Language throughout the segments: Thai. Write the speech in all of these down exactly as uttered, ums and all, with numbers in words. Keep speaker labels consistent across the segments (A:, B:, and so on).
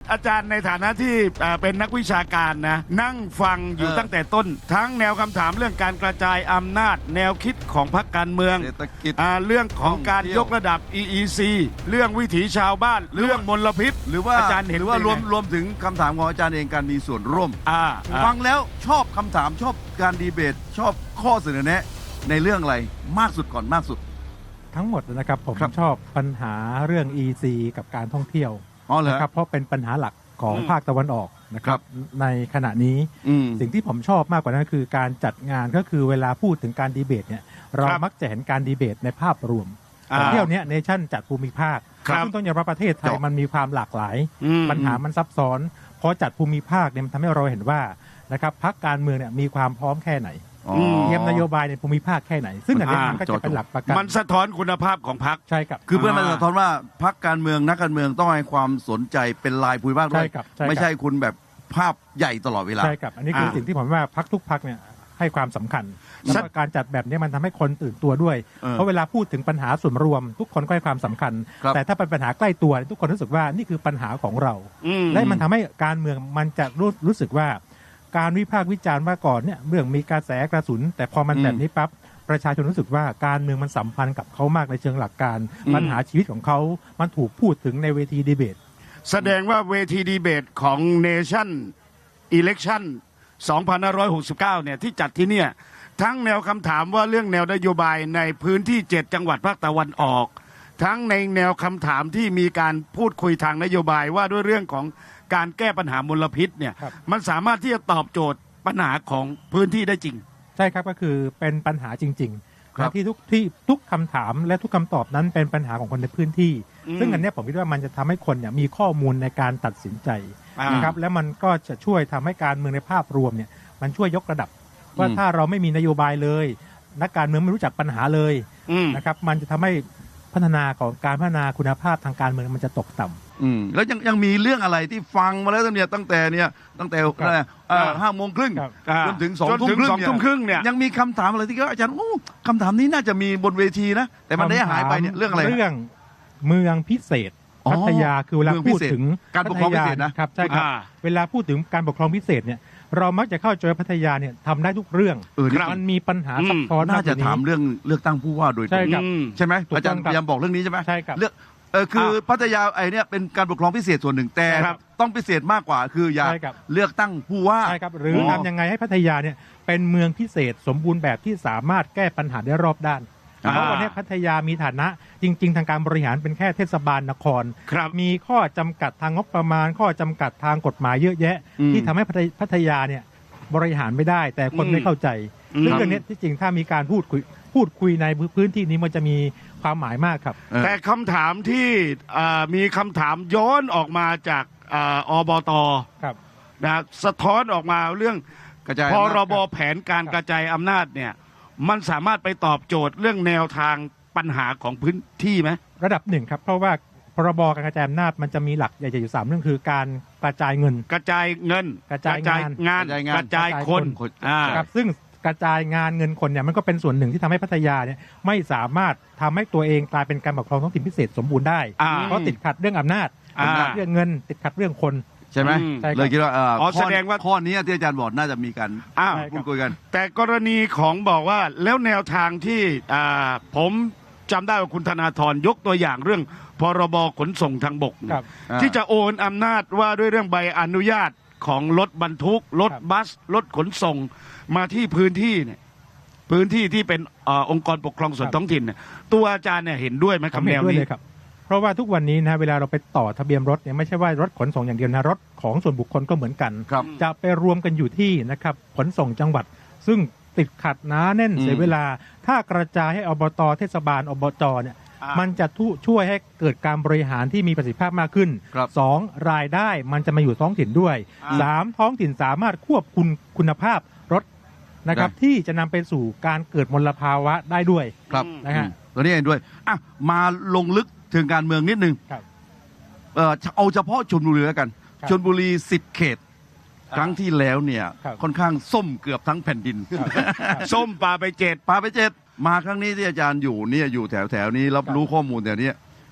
A: อาจารย์ในฐานะที่เป็นนักวิชาการนะนั่งฟังอยู่ตั้งแต่ต้นทั้งแนวคำถามเรื่องการกระจายอำนาจแนวคิดของพรรคการเมือง
B: เศรษฐกิจ
A: เรื่องของการยกระดับ อี อี ซี เรื่องวิถีชาวบ้านเรื่องมลพิษ
B: หรือว่า
A: อาจารย์เห็น
B: หรือว่ารวม
A: เป็นไง
B: รวมถึงคำถามของอาจารย์เองการมีส่วนร่วม
A: อ่าอ่า
B: ฟังแล้วชอบคำถามชอบการดีเบต ชอบข้อเสนอแนะในเรื่องอะไรมากสุดก่อนมากสุด
C: ทั้งหมดนะครับผม
B: ครับ
C: ชอบปัญหาเรื่อง อี ซี กับการท่องเที่ยว
B: อ๋อเหรอ
C: นะครับเพราะเป็นปัญหาหลักของ
A: อืม
C: ภาคตะวันออกนะค
B: ครั
C: รับบ ในขณะนี้
B: อืม
C: สิ่งที่ผมชอบมากกว่านั้นคือการจัดงานก็คือเวลาพูดถึงการดีเบตเนี่ยเรา
A: ครับ
C: มักจะเห็นการดีเบตในภาพรวม
A: อ่า
C: แต่เที่ยวเนี้ยเนชั่นจัดภูมิภาค
A: ครับ
C: ซึ่งต้องยอมรับประเทศไทย
B: เจาะ
C: มันมีความหลากหลาย
A: อืม
C: ปัญหามันซับซ้อนพอจัดภูมิภาคเนี่ยมันทำให้เราเห็นว่านะครับพรรคการเมืองเนี่ยมีความพร้อมแค่ไหน
B: อ๋อ
C: เตรียมนโยบายในภูมิภาคแค่ไหน ซึ่งอันนี้มันก็จะเป็นหลักประกัน
A: มันสะท้อนคุณภาพของพรรค
C: ใช่ครับ
B: คือเพื่อนมัน
A: อ่า
B: สะท้อนว่าพรรคการเมืองนักการเมืองต้องให้ความสนใจเป็นลายภูมิภาคด้วย
C: ใช่ครับใช่ครับ
B: ไม่ใช่คุณแบบภาพใหญ่ตลอดเวลา
C: ใช่ครับอันนี้คือสิ่งที่ผมว่าพักทุกพักเนี่ยให้ความสำคัญแล้วก็การจัดแบบนี้มันทำให้คนตื่นตัวด้วย
B: เออ
C: เพราะเวลาพูดถึงปัญหาส่วนรวม ทุกคนก็ให้ความสำคัญ
B: ครับ
C: แต่ถ้าเป็นปัญหาใกล้ตัว ทุกคนรู้สึกว่านี่คือปัญหาของเรา
A: อืม
C: และมันทำให้การเมืองมันจะรู้รู้สึกว่า การวิพากษ์วิจารณ์ว่าก่อนเนี่ยเรื่องมีกระแสกระสุน แต่พอมันแบบนี้ปั๊บประชาชนรู้สึกว่าการเมืองมันสัมพันธ์กับเขามากในเชิงหลักการ
A: อืม
C: ปัญหาชีวิตของเขามันถูกพูดถึงในเวทีดีเบต
A: แสดงว่าเวทีดีเบตของ Nation Election สองพันห้าร้อยหกสิบเก้า เนี่ยที่จัดที่เนี่ยทั้งแนวคำถามว่าเรื่องแนวนโยบายในพื้นที่เจ็ดจังหวัดภาคตะวันออก ทั้งในแนวคำถามที่มีการพูดคุยทางนโยบายว่าด้วยเรื่องของการแก้ปัญหามลพิษเนี่ย
C: ครับ
A: มันสามารถที่จะตอบโจทย์ปัญหาของพื้นที่ได้จริง
C: ใช่ครับก็คือเป็นปัญหาจริงๆ
B: ครับ
C: นะที่ทุกที่ทุกคำถามและทุกคำตอบนั้นเป็นปัญหาของคนในพื้นที่
A: อืม
C: ซึ่งอันเนี้ยผมคิดว่ามันจะทำให้คนเนี่ยมีข้อมูลในการตัดสินใจ
A: อ่าน
C: นะครับและมันก็จะช่วยทำให้การเมืองในภาพรวมเนี่ยมันช่วยยกระดับ ว่า
B: อืม
C: ถ้าเราไม่มีนโยบายเลย นักการเมืองไม่รู้จักปัญหาเลย
A: อืม
C: นะครับมันจะทำให้พัฒนาของการพัฒนาคุณภาพทางการเมืองมันจะตกต่ำ
B: อืมแล้วยังยังมีเรื่องอะไรที่ฟังมาแล้วเนี่ยตั้งแต่เนี่ยตั้งแต่อะไรเอ่อห้าโมงครึ่ง
C: ครับ
B: จนถึงสอง
A: จน
B: ทุ่
A: ถึ
B: ม
A: ง
B: ครึ่ง
A: สองทุ่มครึ่งเนี่ย
B: ยังมีคำถามอะไรที่อาจารย์โอ้คำถามนี้น่าจะมีบนเวทีนะ แต่มันได้หายไปเนี่ยเรื่องอะไร
C: เรื่องเมืองพิเศษ
B: อ๋อ
C: พัทยาคือเวลา
B: เมืองพิ
C: พูด
B: เศษ
C: ถึง
B: การปกครองพิเศษนะ
C: พัทยาครับใช่ครับ
A: อ่า
C: เวลาพูดถึงการปกครองพิเศษเนี่ยเรามักจะเข้าใจว่าพัทยาเนี่ยทำได้ทุกเรื่อง
B: เออนี่
C: มันมีปัญหา
A: อืม
C: ซับซ้อน
B: น่าจะ
C: กกว่
B: ถามเรื่องเลือกตั้งผู้ว่าโดยต
C: ใช่
B: รง
C: ครับ
A: อืม
B: ใช่ไหม
C: ถูกต้อง
B: อาจารย์
C: ครับ
B: พยายามบอกเรื่องนี้ใช่ไหม
C: ใช่ครับ
B: เลือกเออคือพัทยาไอเนี่ยเป็นการปกครองพิเศษส่วนหนึ่งแต่
A: ครับ
B: ต้องพิเศษมากกว่าคืออยาก
C: ใช่ครับ
B: เลือกตั้งผู้ว่า
C: ใช่ครับหรือ
B: อ
C: ทำยังไงให้พัทยาเนี่ยเป็นเมืองพิเศษสมบูรณ์แบบที่สามารถแก้ปัญหาได้รอบด้าน
A: อ่า
C: เพราะวันนี้พัทยามีฐานะจริง ๆ ทางการบริหารเป็นแค่เทศบาลนคร
A: ครับ
C: มีข้อจำกัดทางงบประมาณ ข้อจำกัดทางกฎหมายเยอะแยะ
B: อืม
C: ที่ทำให้พัทยพัทยาเนี่ยบริหารไม่ได้ แต่คน
A: อืม
C: ไม่เข้าใจ
A: อืม
C: ซึ่งเรื่องนี้ที่จริงถ้ามีการพูดคุยพูดคุยในพื้นที่นี้มันจะมีความหมายมากครับ
B: เออ
A: แต่คำถามที่เอ่อมีคำถามย้อนออกมาจากเอ่ออบต
C: ครับ
A: นะสะท้อนออกมาเรื่อง
B: กระจาย
A: พ
B: อำนาจ
A: รบแผนการกระจายอำนาจเนี่ยมันสามารถไปตอบโจทย์เรื่องแนวทางปัญหาของพื้นที่ไหม
C: ระดับหนึ่งครับเพราะว่าพรบการกระจายอำนาจมันจะมีหลักใหญ่ๆอยู่สามเรื่องคือการกระจายเงิน
A: กระจายเงิน
C: กระจายงาน
A: งาน
B: กระจายงาน
A: กระจายคน
B: คน
A: อ่า
C: ครับซึ่งกระจายงานเงินคนเนี่ยมันก็เป็นส่วนหนึ่งที่ทำให้พัทยาเนี่ยไม่สามารถทำให้ตัวเองกลายเป็นการปกครองท้องถิ่นพิเศษสมบูรณ์ได้
A: อ่า
C: เพราะติดขัดเรื่องอำนาจ
A: อ่า
C: ติดขัดเรื่องเงิน ติดขัดเรื่องคน
B: ใช่ไหม
A: อืม
C: ใช่ครับ
B: เลยคิดว่าเอ่อ
A: อ๋อ
B: ข้
A: แสดงว่า
B: ข้อนี้ที่อาจารย์บอกน่าจะมีการ
A: อ้าว
C: ใช่
B: พูดคุยกัน
A: แต่กรณีของบอกว่าแล้วแนวทางที่อ่าผมจำได้ว่าคุณธนาธรยกตัวอย่างเรื่องพรบขนส่งทางบกเนี่ย
C: ครับ
B: อ่า
A: ที่จะโอนอำนาจว่าด้วยเรื่องใบอนุญาตของรถบรรทุกรถ
C: ครับ
A: บัสรถขนส่งมาที่พื้นที่เนี่ยพื้นที่ที่เป็นเออองค์กรปกครองส่วนท้องถิ่นเนี่ยตัวอาจารย์เนี่ยเห็นด้วยไหม
C: ผ
A: กับ
C: ม
A: แน
C: เห็น
A: ว
C: ด้วย
A: นี้
C: เลยครับ เพราะว่าทุกวันนี้นะเวลาเราไปต่อทะเบียนรถเนี่ยไม่ใช่ว่ารถขนส่งอย่างเดียวนะรถของส่วนบุคคลก็เหมือนกัน
B: ครับ
C: จะไปรวมกันอยู่ที่นะครับขนส่งจังหวัด ซึ่งติดขัดหนาแน่น
B: อืม
C: เสียเวลา ถ้ากระจายให้อบตเทศบาลอบจเนี่ย
A: อ่ามั
C: มันจะทุช่วยให้เกิดการบริหารที่มีประสิทธิภาพมากขึ้น
B: ครับ
C: สองรายได้มันจะมาอยู่ท้องถิ่นด้วย
A: อ่า
C: สามท้องถิ่นสามารถควบคุมคุณภาพรถนะครับ
B: ได้
C: ที่จะนำไปสู่การเกิดมลภาวะได้ด้วย
B: ครับ
C: นะฮะ
B: อืมตัวนี้เองด้วยอ่ะมาลงลึกถึงการเมืองนิดนึง
C: ครับ
B: เอ่อเอาเฉพาะชลบุรีแล้วกัน
C: ครับ
B: ชลบุรีสิบเขต
A: อ่า
B: ครั้งที่แล้วเนี่ย
C: ครับ
B: ค่อนข้างส้มเกือบทั้งแผ่นดิน
A: ส้มปลาไปเจ็ด
B: ปาไปเจ็ดมาครั้งนี้ที่อาจารย์อยู่เนี่ยอยู่แถวแถวๆนี้รับ
C: ครับ
B: รู้ข้อมูลแถวเนี้ย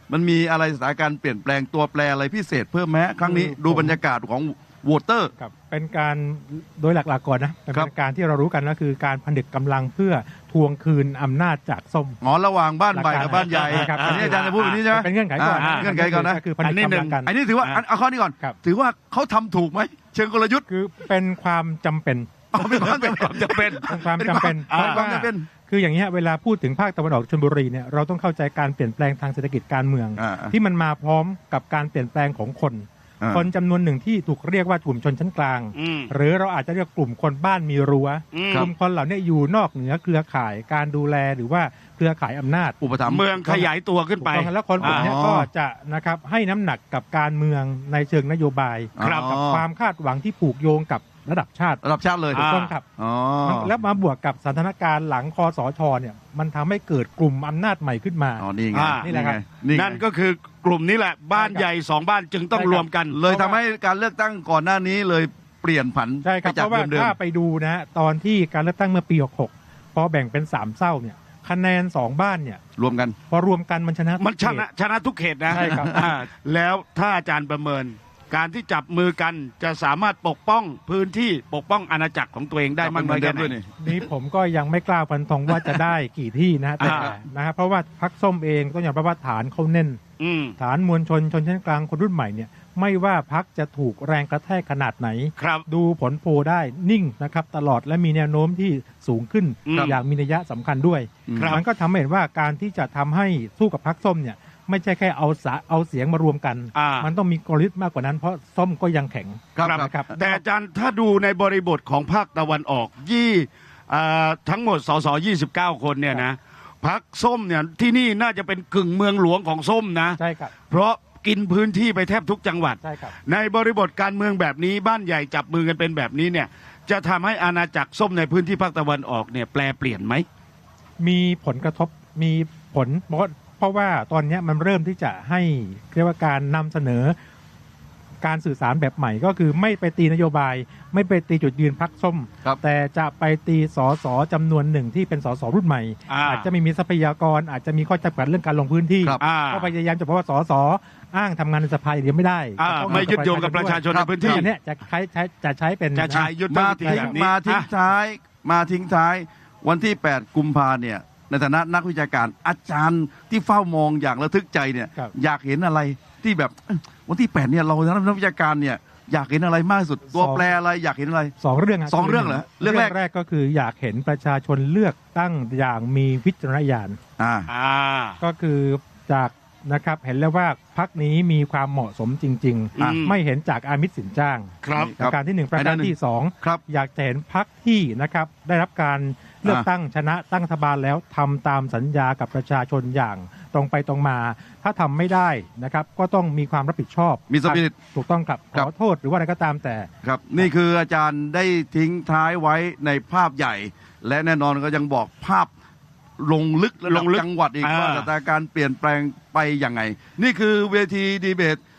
B: มันมีอะไรสถานการณ์เปลี่ยนแปลงตัวแปรอะไรพิเศษเพิ่มไหมครั้งนี้
C: คือ
B: ดู
C: ผม
B: บรรยากาศของโหวตเตอร์
C: ครับเป็นการโดยหลักๆก่อนนะเป็น
B: ครับ
C: การที่เรารู้กันก็คือการผนึกกำลังเพื่อทวงคืนอำนาจจากส้ม
B: อ๋อระหว่างบ้านใหม่กับบ้านใหญ่
C: ครับ
B: อันนี้อาจารย์จะพูดแบบนี้ใช่ไหม
C: เป็นเงื่อนไขก่อน
B: อ่าเงื่อนไขก่อนนะ
C: คือผนึกกำลังกัน
B: อันนี้ถือว่า
A: อ่า
B: อันเอาข้อนี้ก่อน
C: ครับ
B: ถือว่าเขาทำถูกไหมเชิงกลยุทธ์
C: คือเป็นความจำเป็น
B: เอาเป็นความ
A: เป็นความจำเป็น
C: เป็นความจำเป็น
B: เป็น
C: เพ
B: ความ
C: ราะว่า
B: จำเป็น
C: คืออย่างนี้ยเวลาพูดถึงภาคตะวันออกชลบุรีเนี่ยเราต้องเข้าใจการเปลี่ยนแปลงทางเศรษฐกิจการเมือง
B: อ่า
C: ที่มันมาพร้อมกับการเปลี่ยนแปลงของคน
B: อ่า
C: คนจำนวนหนึ่งที่ถูกเรียกว่ากลุ่มชนชั้นกลาง
A: อืม
C: หรือเราอาจจะเรียกกลุ่มคนบ้านมีรั้ว
A: อืม
C: กลุ่มคนเหล่านี้อยู่นอกเหนือเครือข่ายการดูแลหรือว่าเครือข่ายอำนาจ
B: อุปถัมภ์
A: เมืองขยายตัวขึ้นไป
C: ถูกต้องแล้วคนกลุ่มเนี้ย
B: อ๋อ
C: ก็จะนะครับให้น้ำหนักกับการเมืองในเชิงนโยบาย
A: ครับ
C: กับความคาดหวังที่ผูกโยงกับระดับชาติ
B: ระดับชาติเลย
C: ถูกต้องครับ
B: อ๋อ
C: แล้วมาบวกกับสถานการณ์หลังคอสชเนี่ยมันทำให้เกิดกลุ่มอำนาจใหม่ขึ้นมา
B: อ๋อนี่ไง
A: อ่า
C: นี่แหละครับ
B: ไงนี่ไง
A: นั่นก็คือกลุ่มนี้แหละ บ้านใหญ่สองบ้านจึงต้อง
C: ใช่ครับ
A: รวมกัน
B: เลยทำให้การเลือกตั้งก่อนหน้านี้เลยเปลี่ยนผัน
C: ใช่ครับ
B: ไปจา
C: เพ
B: ก
C: ราะว่า
B: เดิม
C: ถ้าไปดูนะฮะตอนที่การเลือกตั้งเมื่อปีหกหกพอแบ่งเป็นสามเศร้าเนี่ยคะแนนสองบ้านเนี่ย
B: ๆรวมกัน
C: พอรวมกันมันชนะ
A: มันชนะชนะทุกเขตนะ
C: ใช่ครับ
A: อ่าแล้วถ้าอาจารย์ประเมิน การที่จับมือกันจะสามารถปกป้องพื้นที่ปกป้องอาณาจักรของตัวเองได้มากน้อยแค่ไหน
B: ด้วยนี่
C: นี่ผมก็ยังไม่กล้าฟันธงว่าจะได้กี่ที่นะแต่
A: อ่า
C: นะครับเพราะว่าพักส้มเองต้องยอมรับว่าฐานเขาแน่น
A: อืม
C: ฐานมวลชนชนชั้นกลางคนรุ่นใหม่เนี่ยไม่ว่าพักจะถูกแรงกระแทกขนาดไหน
A: ครับ
C: ดูผลโพลได้นิ่งนะครับตลอดและมีแนวโน้มที่สูงขึ้น
A: ครับ
C: อย่างมีนัยยะสำคัญด้วย
A: ครับ
C: มันก็ทำให้เห็นว่าการที่จะทำให้สู้กับพักส้มเนี่ยไม่ใช่แค่เอาสะเอาเสียงมารวมกัน
A: อ่า
C: มันต้องมีกลยุทธ์มากกว่านั้นเพราะส้มก็ยังแข็ง
B: ครับ
C: นะครับ
A: แต่อาจารย์ถ้าดูในบริบทของภาคตะวันออกยี่อ่าทั้งหมดสสยี่สิบเก้าคนเนี่ยนะพักส้มเนี่ยที่นี่น่าจะเป็นกึ่งเมืองหลวงของส้มนะ
C: ใช่ครับ
A: เพราะกินพื้นที่ไปแทบทุกจังหวัด
C: ใช่ครับ
A: ในบริบทการเมืองแบบนี้บ้านใหญ่จับมือกันเป็นแบบนี้เนี่ยจะทำให้อาณาจักรส้มในพื้นที่ภาคตะวันออกเนี่ยแปลเปลี่ยนไหม
C: มีผลกระทบมีผลเพราะเพราะว่าตอนเนี้ยมันเริ่มที่จะให้เรียกว่าการนำเสนอการสื่อสารแบบใหม่ก็คือไม่ไปตีนโยบาย ไม่ไปตีจุดยืนพักส้ม
B: ครับ
C: แต่จะไปตีสสจำนวนหนึ่งที่เป็นสสรุ่นใหม่
A: อ่า
C: อาจจะไม่มีทรัพยากร อาจจะมีข้อจำกัดเรื่องการลงพื้นที่
B: ครับ
A: อ่า
C: ก็พยายามจะบอกว่าสสอ้างทำงานในสภาอย่างเดียวไม่ได้
A: อ่า
C: ต้อง
A: ไม่ยึดโยงกับประชาชน
B: ครั
A: ใน
B: บ
A: พื้น
C: ที่
A: ที่
C: อันเนี้ยจะใช้ใช้จะใช้เป็น
A: จะใช้ยุทธ
B: มา
A: วิธี
B: ทิ้ง
A: แบบนี้
B: มาทิ้ง
A: อ่ะ
B: ท้ายมาทิ้งท้ายวันที่ แปด กุมภาเนี่ยในฐานะนักวิชาการอาจารย์ที่เฝ้ามองอย่างระทึกใจเนี่ย
C: ครับ
B: อยากเห็นอะไรที่แบบเอ้ยวันที่ แปดเนี่ยเราในฐานะนักวิชาการเนี่ยอยากเห็นอะไรมากที่สุดตัวแปรอะไรอยากเห็นอะไร
C: สองเรื่องะ
B: สองเรื่องเหรอเรื่
C: เรื่
B: อ
C: อง ง
B: แรก
C: แรกก็คืออยากเห็นประชาชนเลือกตั้งอย่างมีวิจารณญาณ
B: อ่า
A: อ่า
C: ก็คือจากนะครับเห็นแล้วว่าพักนี้มีความเหมาะสมจริง
A: อืม
C: ๆ ไม่เห็นจากอามิตรสินจ้าง
A: ครับ
C: ประการที่หนึ่งประการที่สอง
B: ครับ
C: อยากจะเห็นพักที่นะครับได้รับการเลือก
B: อ่า
C: ตั้งชนะตั้งรัฐบาลแล้วทำตามสัญญากับประชาชนอย่างตรงไปตรงมา ถ้าทำไม่ได้นะครับก็ต้องมีความรับผิดชอบ
B: มี spirit
C: ถูกต้องครับ
B: ครั
C: ข
B: บ
C: อโทษหรือว่าอะไรก็ตามแต่
B: ครับนี่คืออาจารย์ได้ทิ้งท้ายไว้ในภาพใหญ่ และแน่นอนก็ยังบอกภาพลงลึกระดั
A: ล
B: บ
A: งลึก
B: จังหวัดอีก
A: อ่า
B: ว่าสถานการณ์เปลี่ยนแปลงไปยังไง นี่คือเวทีดีเบต